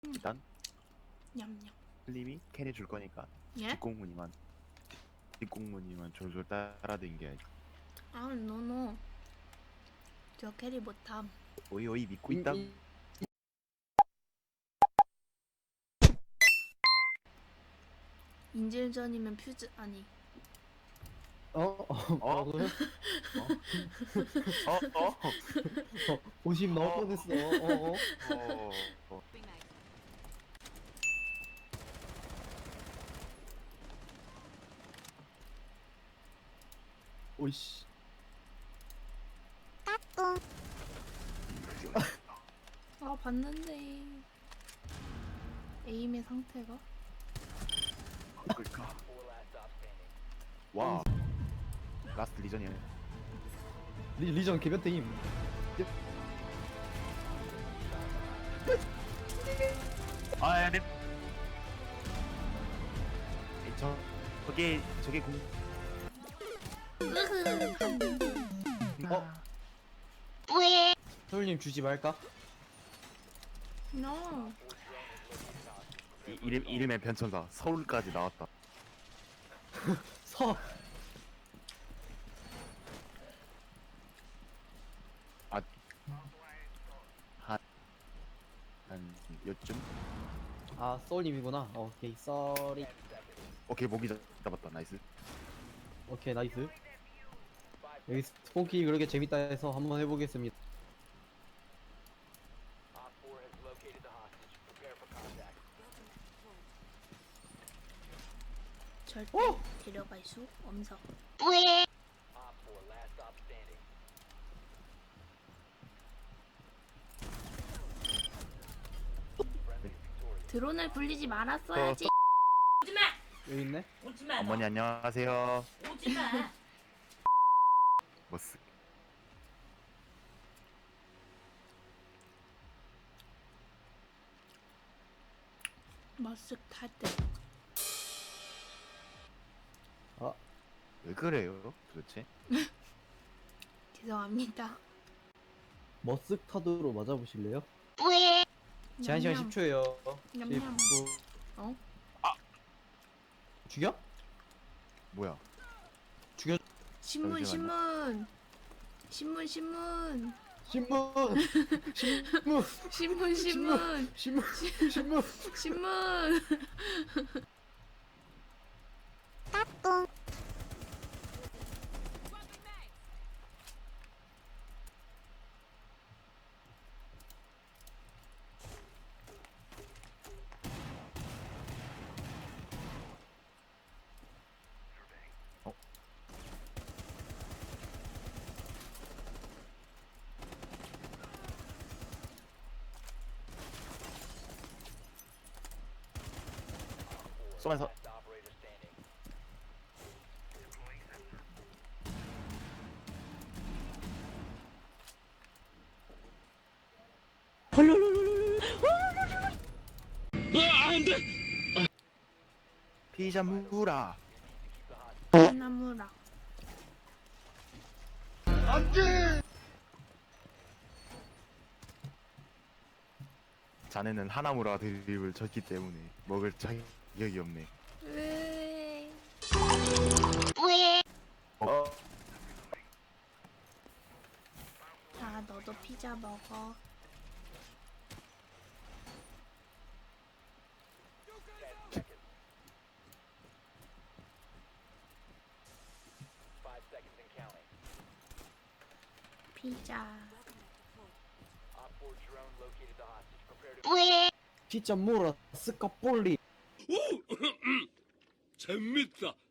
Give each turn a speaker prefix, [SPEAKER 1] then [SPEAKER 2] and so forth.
[SPEAKER 1] 일단
[SPEAKER 2] 냠냠.
[SPEAKER 1] 클림이 캔이 줄 거니까
[SPEAKER 2] 예?
[SPEAKER 1] 뒷공무니만 졸졸 따라댕겨야지.
[SPEAKER 2] 아, 노노. 저 캐리 못함.
[SPEAKER 1] 오이 믿고 있다.
[SPEAKER 2] 인질전이면 퓨즈 아니.
[SPEAKER 3] 뭐라고요?
[SPEAKER 1] 어?
[SPEAKER 3] 50 나올 뻔했어.
[SPEAKER 1] 어.
[SPEAKER 3] 오이씨.
[SPEAKER 2] 아, 봤는데. 에임의 상태가?
[SPEAKER 1] 그러니까. 와. 라스트 리전이네.
[SPEAKER 3] 리전 개변태임.
[SPEAKER 1] 아, 야, 네. 저게 공.
[SPEAKER 2] 으흐.
[SPEAKER 3] 서울님 주지 말까?
[SPEAKER 2] No.
[SPEAKER 1] 이름의 변천사 서울까지 나왔다.
[SPEAKER 3] 서.
[SPEAKER 1] 한 요쯤?
[SPEAKER 3] 아, 서울님이구나. 오케이, 쏘리.
[SPEAKER 1] 오케이, 모기 잡았다. 나이스.
[SPEAKER 3] 오케이, 나이스. 여기 스폰키 그렇게 재밌다 해서 한번 해보겠습니다.
[SPEAKER 2] 절대 데려갈 수 없어. 드론을 굴리지 말았어야지.
[SPEAKER 3] 여기 있네?
[SPEAKER 1] 어머니 안녕하세요.
[SPEAKER 4] 오지마.
[SPEAKER 1] 머스.
[SPEAKER 2] 머쓱 탈 때.
[SPEAKER 3] 아,
[SPEAKER 1] 왜 그래요, 도대체?
[SPEAKER 2] 죄송합니다.
[SPEAKER 3] 머쓱타드로 맞아보실래요? 제한 시간
[SPEAKER 2] 냠냠.
[SPEAKER 3] 10초예요.
[SPEAKER 2] 냠냠.
[SPEAKER 3] 10초.
[SPEAKER 2] 어?
[SPEAKER 3] 죽여?
[SPEAKER 1] 뭐야?
[SPEAKER 3] 죽여.
[SPEAKER 2] 신문
[SPEAKER 1] 잠시만요.
[SPEAKER 2] 신문. 신문.
[SPEAKER 3] 신문! 신문!
[SPEAKER 2] 신문. 신문.
[SPEAKER 3] 신문! 신문!
[SPEAKER 2] 신문.
[SPEAKER 1] 어? 쏘면서 피자 무라.
[SPEAKER 2] 나무라.
[SPEAKER 1] 자네는 하나무라 드립을 쳤기 때문에 먹을 자격이 없네.
[SPEAKER 2] 왜?
[SPEAKER 1] 어?
[SPEAKER 2] 자, 너도 피자 먹어. 피자.
[SPEAKER 3] 피자 몰아 스카폴리.
[SPEAKER 4] 재밌다.